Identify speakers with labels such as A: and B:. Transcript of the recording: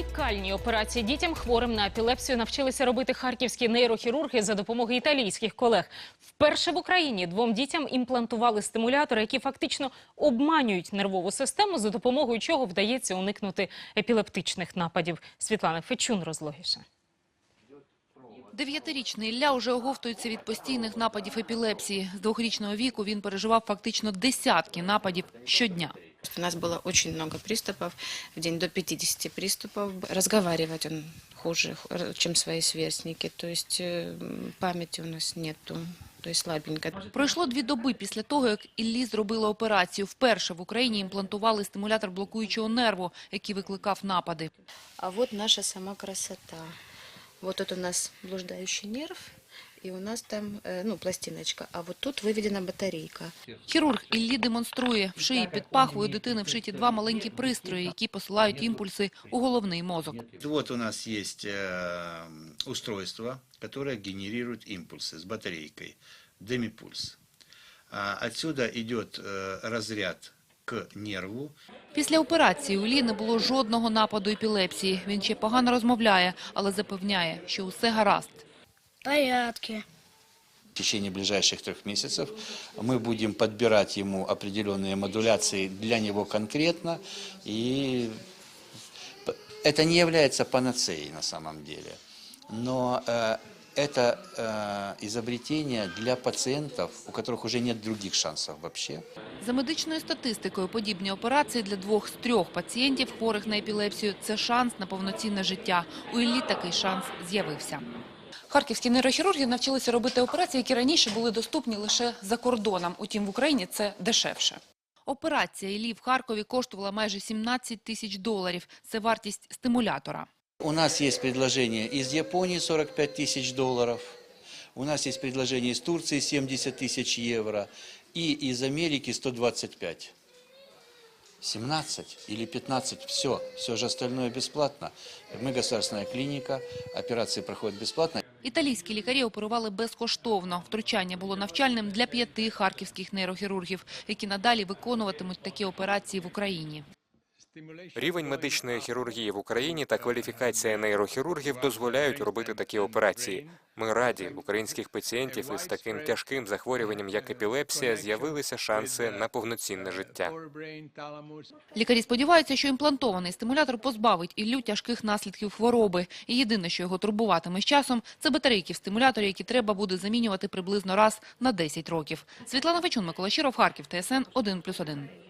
A: Унікальні операції дітям, хворим на епілепсію, навчилися робити харківські нейрохірурги за допомогою італійських колег. Вперше в Україні двом дітям імплантували стимулятори, які фактично обманюють нервову систему, за допомогою чого вдається уникнути епілептичних нападів. Світлана Фечун розлогіше.
B: 9-річний Ілля уже оговтується від постійних нападів епілепсії. З 2-річного віку він переживав фактично десятки нападів щодня.
C: У нас было очень много приступов, в день до 50 приступов. Разговаривать он хуже, чем свои сверстники, то есть памяти у нас нету, то есть слабенько.
B: Пройшло 2 доби після того, як Іллі зробили операцію. Вперше в Україні імплантували стимулятор блокуючого нерву, який викликав напади.
C: А вот наша сама красота. Вот тут у нас блуждающий нерв, и у нас там пластиночка, а вот тут выведена батарейка.
B: Хірург Іллі демонструє. В шиї під пахвою дитини вшиті 2 маленькі пристрої, які посилають імпульси у головний мозок.
D: Вот у нас есть устройство, которое генерирует импульсы с батарейкой, демипульс. Отсюда идет разряд к нерву.
B: Після операції у Іллі не було жодного нападу епілепсії. Він ще погано розмовляє, але запевняє, що усе гаразд.
E: Порядки.
F: В течение ближайших 3 месяцев мы будем подбирать ему определенные модуляции для него конкретно. И это не является панацеей на самом деле. Но это изобретение для пациентов, у которых уже нет других шансов вообще.
B: За медичною статистикою, подібні операції для 2 з 3 пацієнтів, хворих на епілепсію, це шанс на повноцінне життя. У Іллі такий шанс з'явився. Харківські нейрохірурги навчилися робити операції, які раніше були доступні лише за кордоном. Утім, в Україні це дешевше. Операція Іллі в Харкові коштувала майже $17 000. Це вартість стимулятора.
F: У нас есть предложение из Японии $45 000, у нас есть предложение из Турции €70 000 и из Америки 125. 17 или 15, все же остальное бесплатно. Мы государственная клиника, операции проходят бесплатно.
B: Італійські лікарі оперували безкоштовно. Втручання було навчальним для 5 харківських нейрохірургів, які надалі виконуватимуть такі операції в Україні.
G: Рівень медичної хірургії в Україні та кваліфікація нейрохірургів дозволяють робити такі операції. Ми раді, українських пацієнтів із таким тяжким захворюванням, як епілепсія, з'явилися шанси на повноцінне життя.
B: Лікарі сподіваються, що імплантований стимулятор позбавить Іллю тяжких наслідків хвороби. І єдине, що його турбуватиме з часом, це батарейки в стимуляторі, які треба буде замінювати приблизно раз на 10 років. Світлана Фечун, Микола Щиров, Харків, ТСН 1+1.